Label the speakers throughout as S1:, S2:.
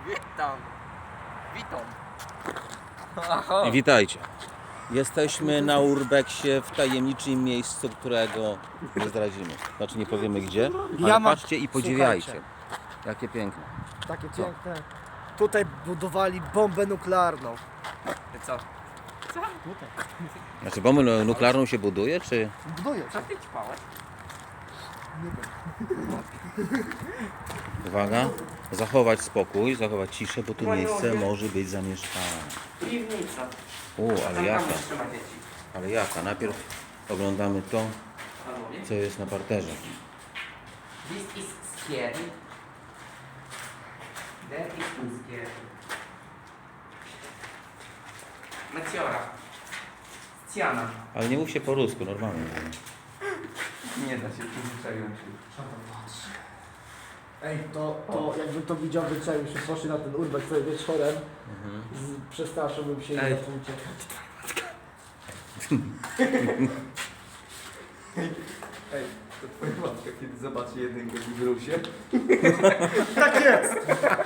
S1: Witam. Witam.
S2: I witajcie. Jesteśmy na Urbexie w tajemniczym miejscu, którego nie zdradzimy. Znaczy nie powiemy gdzie, ale patrzcie i podziwiajcie.
S3: Słuchajcie.
S2: Jakie piękne.
S3: Takie piękne. Tutaj budowali bombę nuklearną.
S1: Co?
S2: Znaczy bombę nuklearną się buduje, czy...
S3: Budują
S1: Co
S3: się.
S1: ty ćpałeś?
S2: Uwaga, zachować spokój, zachować ciszę, bo tu miejsce może być zamieszkane.
S1: Piwnica.
S2: Ale
S1: Tam
S2: jaka,
S1: trzyma dzieci.
S2: ale jaka. Najpierw oglądamy to,
S1: Panowie.
S2: co jest na parterze.
S1: This is scary. That is too scary. Meciora. Sciana.
S2: Ale nie mów się po rusku, normalnie.
S1: Nie da się przyzwyczaiłem się.
S3: Ej, to jakbym to widział, że trzeba się poszli na ten urbex sobie wieczorem, przestraszyłbym się i
S1: Ej.
S3: zaczął uciekać.
S1: Ej, to twoja matka kiedy zobaczy jedynkę w brusie.
S3: Tak jest!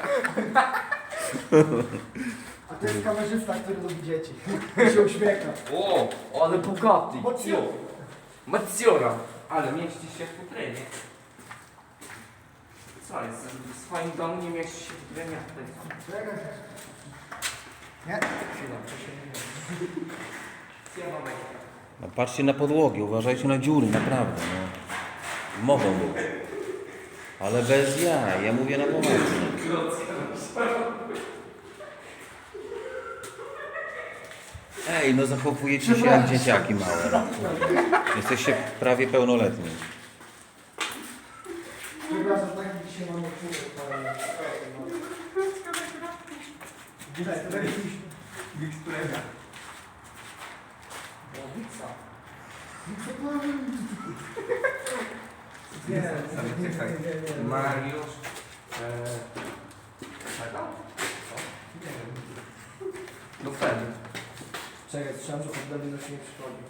S3: A to jest kamerzysta, który lubi dzieci. I się uśmiecha.
S1: O, ale bogaty.
S3: Mocno.
S1: Meciora. Ale mieści się w futrynie. Co jest? W swoim domu nie mieści się w futrynie, a tutaj co?
S3: Nie?
S1: Chwila, to się nie mieści. Sciana Meciora.
S2: No, patrzcie na podłogi, uważajcie na dziury, naprawdę. No. Mogą być. Ale bez jaj, ja mówię na poważnie. Ej, no zachowujecie się jak dzieciaki małe. No. Jesteście prawie pełnoletni.
S3: Przepraszam, tak dzisiaj mamy Widać, to jakiś...
S1: Wikstrega.
S3: Nie,
S1: Mariusz. Czego? Nie wiem. No wtedy.
S3: Czekaj, słyszałem, że pod Berlinem się nie przychodzi.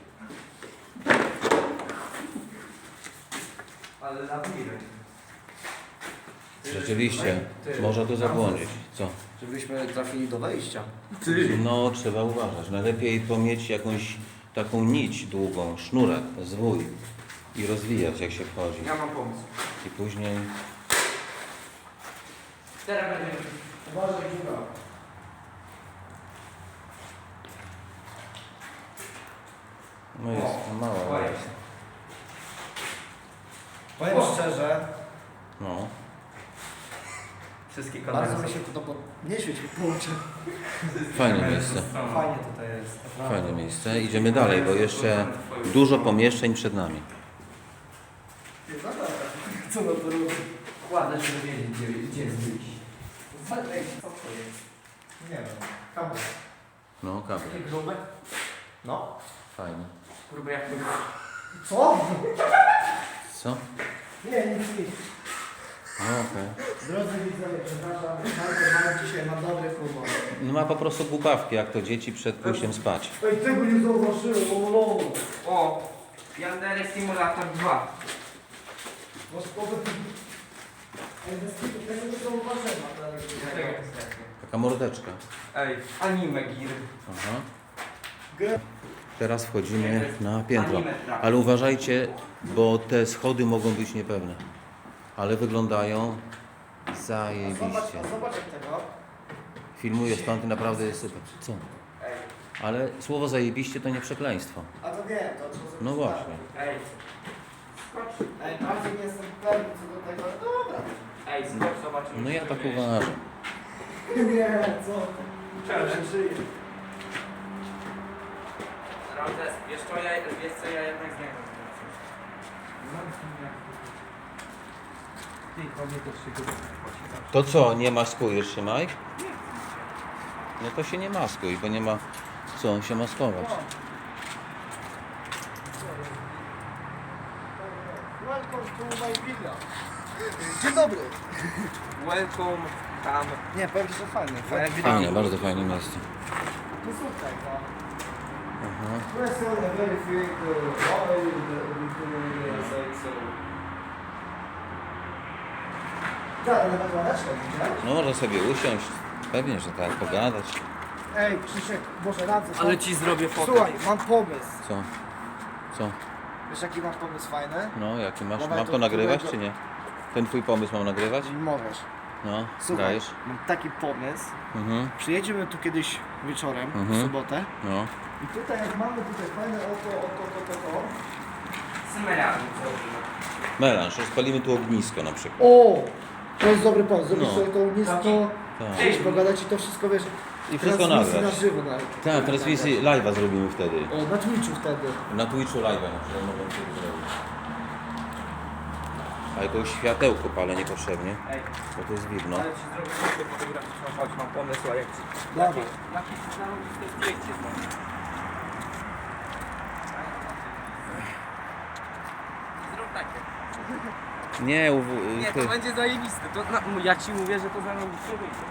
S1: Ale labirynt.
S2: Rzeczywiście, można tu zabłądzić. Co?
S3: Żebyśmy trafili do wejścia.
S2: No, trzeba uważać. Najlepiej to mieć jakąś taką nić długą, sznurek, zwój i rozwijać jak się wchodzi.
S1: Ja mam pomysł.
S2: I później...
S1: Teraz będziemy.
S3: Uważaj, dziura.
S2: No jest, no mała.
S1: Jest.
S3: Powiem szczerze,
S2: No.
S1: Wszystkie kamery
S3: bardzo
S1: są.
S3: mi się to nie świeci po oczy.
S2: Fajne miejsce.
S3: Fajnie tutaj jest.
S2: Fajne miejsce. Idziemy dalej, bo jeszcze dużo pomieszczeń przed nami.
S3: Co na to robi?
S1: Kładę, żeby wiedzieć, gdzie jest wyjść. Co to jest?
S3: Nie wiem. Kabel.
S2: No, kable.
S1: Takie grube?
S3: No.
S2: Fajnie.
S1: Grube jak to.
S3: Co?
S2: Co?
S3: Nie, nic.
S2: No okej.
S3: Drodzy widzowie, przepraszam, mamy dzisiaj na dobry humor.
S2: No ma po prostu głupawki, jak to dzieci przed pójściem spać.
S3: Ej, tego nie zauważyłem, o.
S1: O! Yandere Simulator 2.
S3: Masz powód... Ej, bez kitu, tego nie zauważyłem.
S2: Taka mordeczka.
S1: Ej, anime gear.
S2: Aha.
S3: Grę.
S2: Teraz wchodzimy na piętro.
S1: Anime trap.
S2: Ale uważajcie, bo te schody mogą być niepewne. Ale wyglądają zajebiście.
S3: Zobacz jak tego.
S2: Filmuję stąd i naprawdę jest super. Co?
S1: Ej,
S2: Ale słowo zajebiście to nie przekleństwo.
S3: A to nie, to trzeba sobie
S2: No właśnie.
S1: ej. Skocz.
S3: Ej, bardzo nie jestem pewny co do tego, ale dobra.
S1: Ej, skocz, zobaczymy.
S2: No ja
S1: co
S2: tak
S1: tu jest.
S2: uważam.
S3: Nie, co?
S1: Challenge.
S3: Żyję.
S1: Ramzes, wiesz co ja jednak z niego Ty, kobiety się go
S2: To co, nie maskujesz się, Mike? No to się nie maskuj, bo nie ma co się maskować.
S3: Welcome to my villa. Dzień dobry.
S1: Welcome, tam.
S3: Nie, powiem ci, że fajnie.
S2: Fajnie, bardzo fajne miejsce.
S3: No słuchaj, no.
S2: Aha.
S3: Press on a very big oil, the say so. Tak, ale na kładeczkę, widziałeś?
S2: No można sobie usiąść. Pewnie, że tak, pogadać.
S3: Ej, Krzysiek, Boże, radzę.
S1: Ale ci zrobię fotę.
S3: Słuchaj, mam pomysł.
S2: Co? Co?
S3: Wiesz jaki mam pomysł fajny?
S2: No, jaki masz?
S3: Dawaj
S2: Mam
S3: to
S2: to nagrywać,
S3: którego-
S2: czy nie? Ten twój pomysł mam nagrywać?
S3: Możesz.
S2: No,
S3: Słuchaj,
S2: dajesz.
S3: mam taki pomysł.
S2: Mhm,
S3: Przyjedziemy tu kiedyś wieczorem, w
S2: Mhm.
S3: sobotę.
S2: no.
S3: I tutaj jak mamy tutaj fajne to.
S1: Symerami zrobimy.
S2: Melanż, rozpalimy tu ognisko na przykład.
S3: O! To jest dobry pomysł. Zrobisz
S2: No.
S3: sobie to ognisko,
S2: Tak.
S3: gdzieś pogadać i to wszystko wiesz.
S2: I wszystko
S3: transmisji
S2: nagrać.
S3: na żywo nawet.
S2: Tak, transmisję live'a zrobimy wtedy.
S3: O, na Twitchu wtedy.
S2: Na Twitchu live'a na przykład mogą to zrobić. A jakiegoś światełko palę niepotrzebnie,
S1: Ej,
S2: bo to jest widno.
S1: ale ci zrobię fotę fotograficzną, chodź, mam pomysł, a jak ci...
S3: Dawaj.
S1: Jakieś zarobiste zdjęcie zrobię. Zrób takie.
S2: Nie,
S1: Nie, to będzie zajebiste. To, ja ci mówię, że to zarobiste wyjdzie.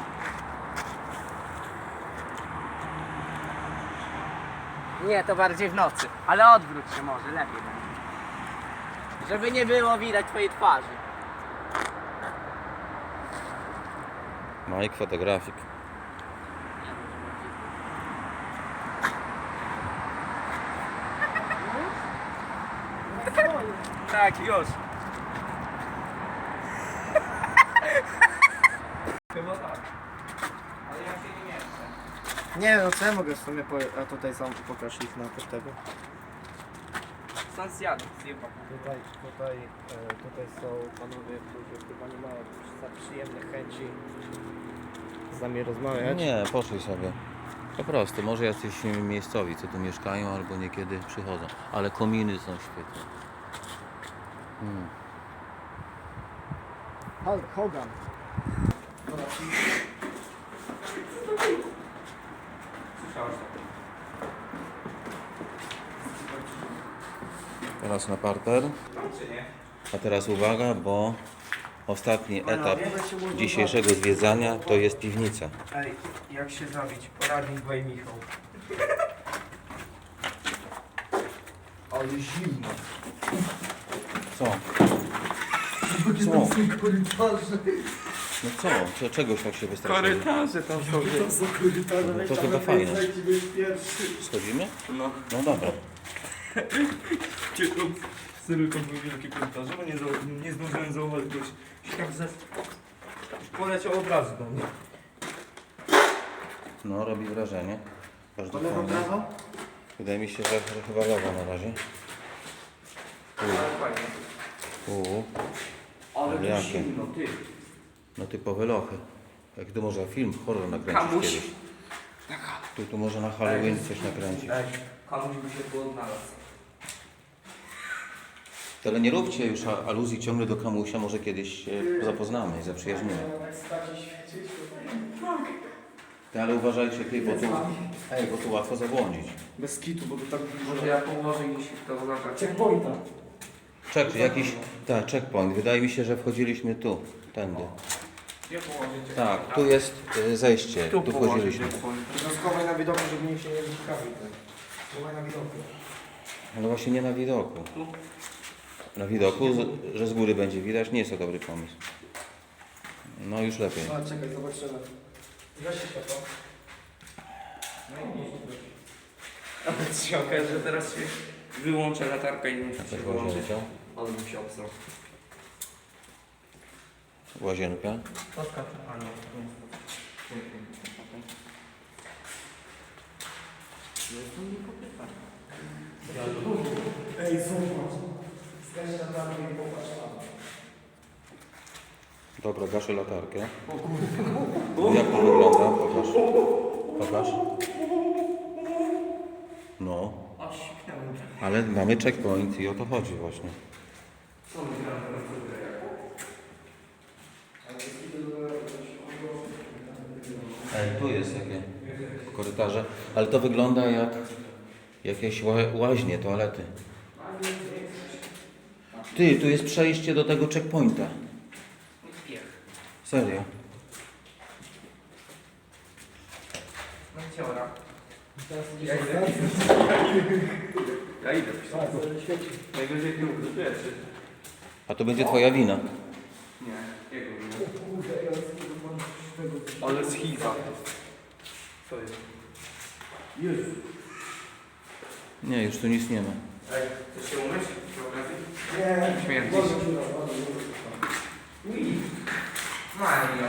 S1: Nie, to bardziej w nocy. Ale odwróć się może, lepiej będzie. Żeby nie było widać twojej twarzy.
S2: Mike fotografik.
S1: Tak, już. Chyba tak. Ale ja się nie mieszczę.
S3: Nie no co ja mogę w sumie a tutaj sam pokaż ich na tego.
S1: Sam zjadł, zjebał.
S3: Tutaj są panowie, którzy chyba nie mają za przyjemnych chęci z nami rozmawiać.
S2: Nie, poszli sobie. Po prostu, może jacyś miejscowi, co tu mieszkają, albo niekiedy przychodzą. Ale kominy są świetne.
S3: Hulk Hogan.
S1: Słyszałeś to?
S2: Teraz na parter.
S1: Czy nie?
S2: A teraz uwaga, bo ostatni etap dzisiejszego zwiedzania to jest piwnica.
S1: Ej, jak się zabić? Poradnik Dwaj Michał. Ale zimno.
S2: Co? No co? Czegoś tak się wystraszyli?
S1: Korytarze tam są.
S3: To są korytarze,
S2: No
S3: weź
S2: to
S3: tam
S2: chyba
S3: lepiej
S2: fajne.
S3: zejdź i byś pierwszy.
S2: Schodzimy?
S1: No.
S2: No dobra.
S1: Serio, to były wielkie korytarze, bo nie zdążyłem zauważyć, bo się tak poleciał od razu do mnie.
S2: No, robi wrażenie. Każdy
S3: To lewo,
S2: fajny.
S3: prawo?
S2: Wydaje mi się, że chyba lewo na razie.
S1: Ale fajnie. Ale
S2: Jakie?
S1: to zimno, ty.
S2: No typowe lochy. Jak tu można film horror nakręcić
S1: Kamuś.
S2: kiedyś. Tu może na Halloween coś nakręcić.
S1: Ej, komuś by się tu odnalazł.
S2: Ale nie róbcie już aluzji ciągle do Kamusia, może kiedyś się zapoznamy i zaprzyjaźnimy. Ale uważajcie, bo tu łatwo zabłądzić.
S3: Bez kitu, bo to tak
S1: Może ja położę i się to zacząć.
S3: checkpointa.
S2: Checkpoint. Wydaje mi się, że wchodziliśmy tu, tędy.
S1: Gdzie położycie?
S2: Tak, tu jest zejście, tu wchodziliśmy.
S3: To schowaj na widoku, żeby nikt się nie wyciekawił. Schowaj na widoku.
S2: Ale właśnie nie na widoku. Na widoku, że z góry będzie widać, nie jest to dobry pomysł. No już lepiej.
S3: A czekaj, zobaczymy. Weź się to.
S1: Ale ci się okaże, że teraz się wyłączę latarkę i nie muszę się
S2: Jakaś
S1: wyłączyć.
S2: łazienka.
S1: Ale bym się obsrał.
S2: Łazienka.
S1: A nie, to nie.
S3: Ej, zobacz. Zgaś latarkę i popatrz tam.
S2: Dobra, gaszę latarkę. Jak to wygląda? Pokaż. Pokaż. No.
S1: A śmiałem.
S2: Ale mamy checkpoint i o to chodzi właśnie.
S1: Co my gramy na komputerze?
S2: Ej, tu jest takie korytarze, ale to wygląda jak jakieś łaźnie, toalety. Ty, tu jest przejście do tego checkpointa.
S1: Piech.
S2: Serio.
S1: No ciora.
S3: Teraz
S1: Ja
S3: idziesz
S1: idę.
S3: na
S1: Ja idę.
S3: Tak, to świeci.
S1: Najwyżej ty uwierzysz.
S2: A to będzie twoja wina.
S1: Nie, jego wina.
S3: Ale schiza. Co jest?
S2: Nie, już tu nic nie ma.
S3: Chcesz się umyć? Nie. Śmierdzisz. Mario.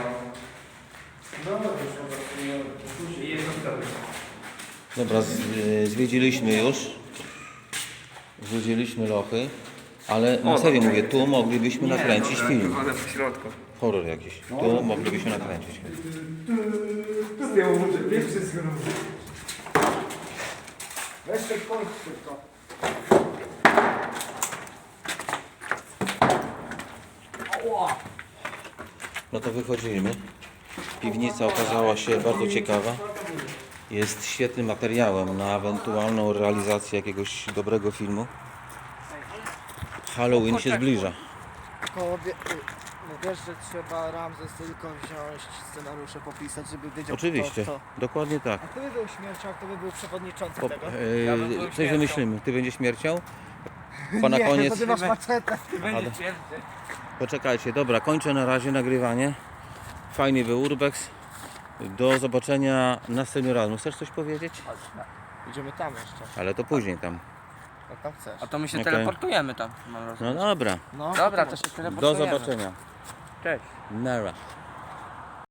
S2: Dobra, zwiedziliśmy już. Zwiedziliśmy lochy. Ale na serio mówię, tu moglibyśmy nakręcić film.
S3: Woda w środku.
S2: Horror jakiś. Tu moglibyśmy nakręcić film.
S3: Zdjął może pierwszy z góry. Weź te kończy to.
S2: No to wychodzimy. Piwnica okazała się bardzo ciekawa. Jest świetnym materiałem na ewentualną realizację jakiegoś dobrego filmu. Halloween się zbliża.
S3: Tylko wiesz, że trzeba Ramzes tylko wziąć scenariusze, popisać, żeby wiedział
S2: Oczywiście,
S3: kto.
S2: dokładnie tak.
S3: A kto by był śmiercią, a kto by był przewodniczącym
S2: Po,
S3: tego?
S1: Ja bym był
S2: coś
S1: śmiercią.
S2: wymyślimy. Ty będziesz śmiercią? Bo na
S3: Nie,
S2: koniec...
S3: bo ty masz maczetę.
S1: Ty będziesz pierwszy.
S2: Poczekajcie, dobra, kończę na razie nagrywanie. Fajny był Urbex. Do zobaczenia następnym razem. Chcesz coś powiedzieć?
S3: Idziemy tam jeszcze,
S2: Ale to później tam.
S3: jak tam chcesz.
S1: A to my się
S2: Okej.
S1: teleportujemy tam, mam
S2: No
S1: rozumieć.
S2: dobra,
S3: No,
S1: Dobra,
S3: to
S1: to się
S2: do
S1: teleportujemy.
S2: zobaczenia.
S1: Cześć.
S2: Nara.